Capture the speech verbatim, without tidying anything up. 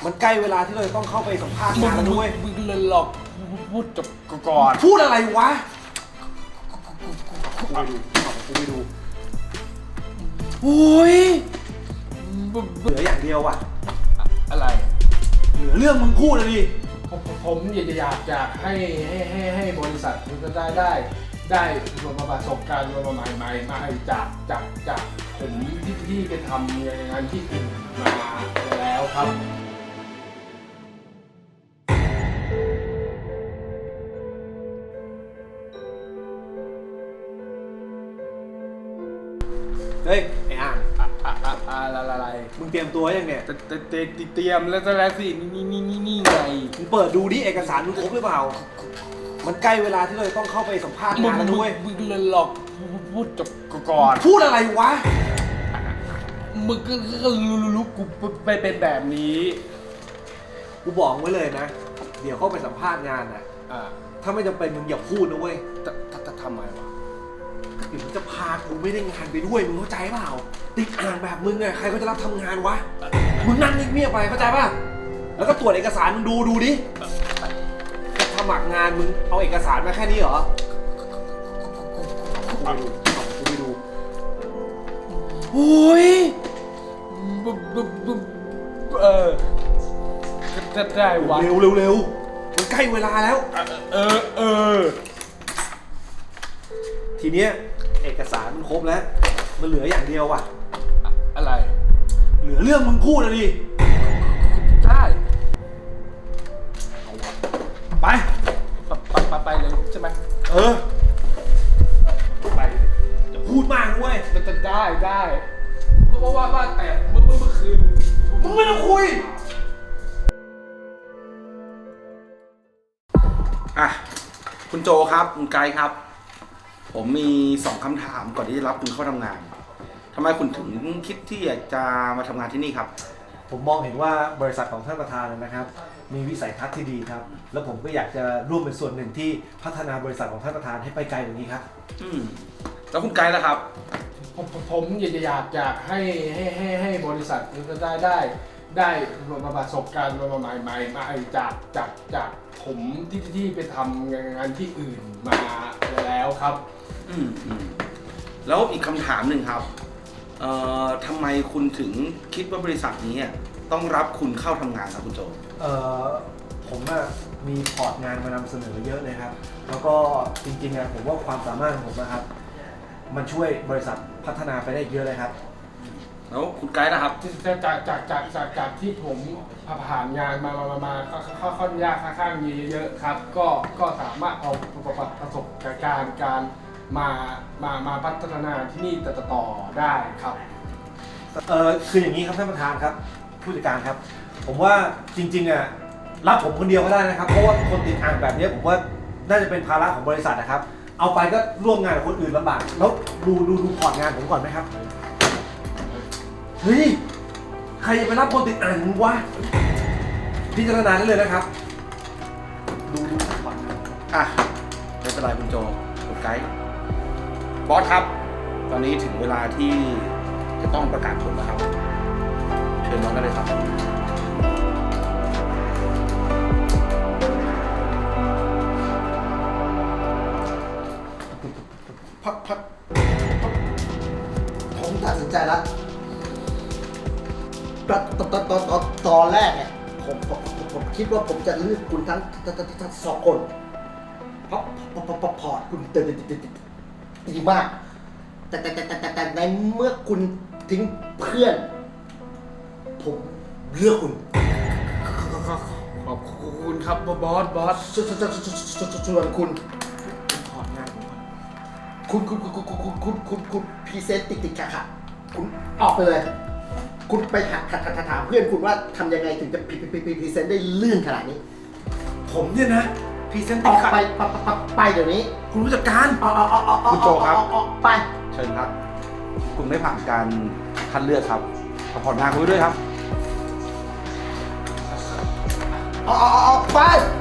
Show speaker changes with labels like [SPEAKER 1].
[SPEAKER 1] มันใกล้เวลาที่เราจะต้องเข้าไปสัมภาษณ์งานแล้วด้วย
[SPEAKER 2] มึงเลยหลอกพูดจบก่อน
[SPEAKER 1] พูดอะไรวะกูไปดูกูไปดูโอ้ยเหลืออย่างเดียวว่ะ
[SPEAKER 2] อะไร
[SPEAKER 1] เหลือเรื่องมึงพูดเลยดิ
[SPEAKER 2] ผมผมอยากจะอยากจะให้ให้ให้ให้บริษัทมันจะได้ได้ได้ประสบการณ์ใหม่ใหม่มาจากจากจากผมที่ที่ไปทำงานที่อื่นมาแล้วครับ
[SPEAKER 1] เฮ้ยไอ้อ่าง
[SPEAKER 2] อะไร
[SPEAKER 1] มึงเตรียมตัวยังเนี่ย
[SPEAKER 2] เตเตเตรียมแล้วจะแล้วสินี่นี่นี่นี่ไง
[SPEAKER 1] มึงเปิดดูดิเอกสารมึงครบหรือเปล่ามันใกล้เวลาที่เราจะต้องเข้าไปสัมภาษณ์งานแล้วด้วย
[SPEAKER 2] มึงเลยหลอกพูดจบก่อน
[SPEAKER 1] พูดอะไรวะ
[SPEAKER 2] มึงก็รู้รู้กูไปเป็นแบบนี้
[SPEAKER 1] กูบอกไว้เลยนะเดี๋ยวเข้าไปสัมภาษณ์งานน่ะถ้าไม่จำเป็นมึงอย่าพูดนะเว้ย
[SPEAKER 2] จะทำไมวะ
[SPEAKER 1] เดี๋ยวมึงจะพากูไม่ได้งานไปด้วยมึงเข้าใจเปล่าติดอ่านแบบมึงไงใครก็จะรับทำงานวะมึงนั่งเงียบๆไปเข้าใจป่ะแล้วก็ตรวจเอกสารมึงดูดูดิจะสมัครงานมึงเอาเอกสารมาแค่นี้เหรอกูไปดูกูไปดูโอ้ย
[SPEAKER 2] เออจะได้วะ
[SPEAKER 1] เร็วเร็วเร็วมันใกล้เวลาแล้ว
[SPEAKER 2] เออเออ
[SPEAKER 1] ทีเนี้ยเอกสารมันครบแล้วมันเหลืออย่างเดียวว่ะ
[SPEAKER 2] อะไร
[SPEAKER 1] เหลือเรื่องมึงพูดเลยดิ
[SPEAKER 2] ได้
[SPEAKER 1] ไป
[SPEAKER 2] ไปไปไปเลยใช่ไหม
[SPEAKER 1] เออไปจะพูดมากด้วย
[SPEAKER 2] จะได้ได้เพราะว่าว่าแต่เมื่อเมื่อคืน
[SPEAKER 1] มึงไม่ต้องคุย
[SPEAKER 3] อ่ะคุณโจครับคุณไกด์ครับผมมีสองคำถามก่อนที่จะรับคุณเข้าทำงานทำไมคุณถึงคิดที่อยากจะมาทำงานที่นี่ครับ
[SPEAKER 1] ผมมองเห็นว่าบริษัทของท่านประธานนะครับมีวิสัยทัศน์ที่ดีครับแล้วผมก็อยากจะร่วมเป็นส่วนหนึ่งที่พัฒนาบริษัทของท่านประธานให้ไปไกลกว่านี้ครับ
[SPEAKER 3] อืมแล้วคุณไกด์ล่ะครับ
[SPEAKER 2] ผมผมอยากจะอยากอยากให้ให้ให้ให้บริษัทมันจะได้ได้ได้ประสบการณ์ใหม่ใหม่มาจากจากจากผมที่ที่ไปทำงานที่อื่นมาแล้วครับ
[SPEAKER 3] อืมอืมแล้วอีกคำถามหนึ่งครับเอ่อทำไมคุณถึงคิดว่าบริษัทนี้ต้องรับคุณเข้าทำงานครับคุณโจ
[SPEAKER 1] เอ่อผมอะมีพอร์ตงานมานำเสนอเยอะเลยครับแล้วก็จริงๆอะผมว่าความสามารถของผมนะครับมันช่วยบริษัทพัฒนาไปได้เยอะเลยครับ
[SPEAKER 3] แล้วคุณไกด์นะครับ
[SPEAKER 2] จากจากจากจากจากจากที่ผมผ่านงานมามามาค่อนข้างยากค่อนข้างเยอะครับก็ก็สามารถเอาประสบการณ์การมามามาพัฒนาที่นี่ต่อต่อได้ครับ
[SPEAKER 1] เออคืออย่างนี้ครับท่านประธานครับผู้จัดการครับผมว่าจริงๆอ่ะรับผมคนเดียวก็ได้นะครับเพราะว่าคนติดอ่างแบบนี้ผมว่าน่าจะเป็นภาระของบริษัทนะครับเอาไปก็ร่วมงานกับคนอื่นลำบากแล้วดูดูดูพอร์ตงานผมก่อนไหมครับเฮ้ยใครจะไปรับคนติดอ่างมึงวะพิจารณาได้เลยนะครับดูดูพอร์ตงาน
[SPEAKER 3] อ่ะไม่เป็นไรคุณโจคุณไกด์บอสครับตอนนี้ถึงเวลาที่จะต้องประกาศผลแล้วครับเชิญน้องได้เลยครับ
[SPEAKER 4] พักพักผมตัดสินใจแล้วตอนตอนตอนตอนตอนแรกเนี่ยผมผมผมคิดว่าผมจะเลือกคุณทั้งทั้งทั้งสองคนเพราะเพราะพอร์ตคุณเติมดีมากแต่แต่แต่แต่แต่ในเมื่อคุณทิ้งเพื่อนผมเลือกคุณ
[SPEAKER 2] ขอบคุณครับบอสบอส
[SPEAKER 4] ส่วนคุณ
[SPEAKER 1] พอร์ตงานผม
[SPEAKER 4] คุณคุณคุณคุณคุณคุณคุณคุณพรีเซนต์ติดติดขัดขัดคุณออกไปเลยคุณไปถามถามเพื่อนคุณว่าทำยังไงถึงจะพรีเซนต์ได้ลื่นขนาดนี้
[SPEAKER 1] ผมเนี่ยนะพรีเซนต์
[SPEAKER 4] ออกไปไปเดี๋ยวนี้
[SPEAKER 1] คุณผู้จัดการ
[SPEAKER 3] คุณโจครับ
[SPEAKER 4] ไป
[SPEAKER 3] เชิญครับคุณไม่ผ่านการคัดเลือกครับขอผ่อนงานคุณด้วยครับ
[SPEAKER 4] ออกไป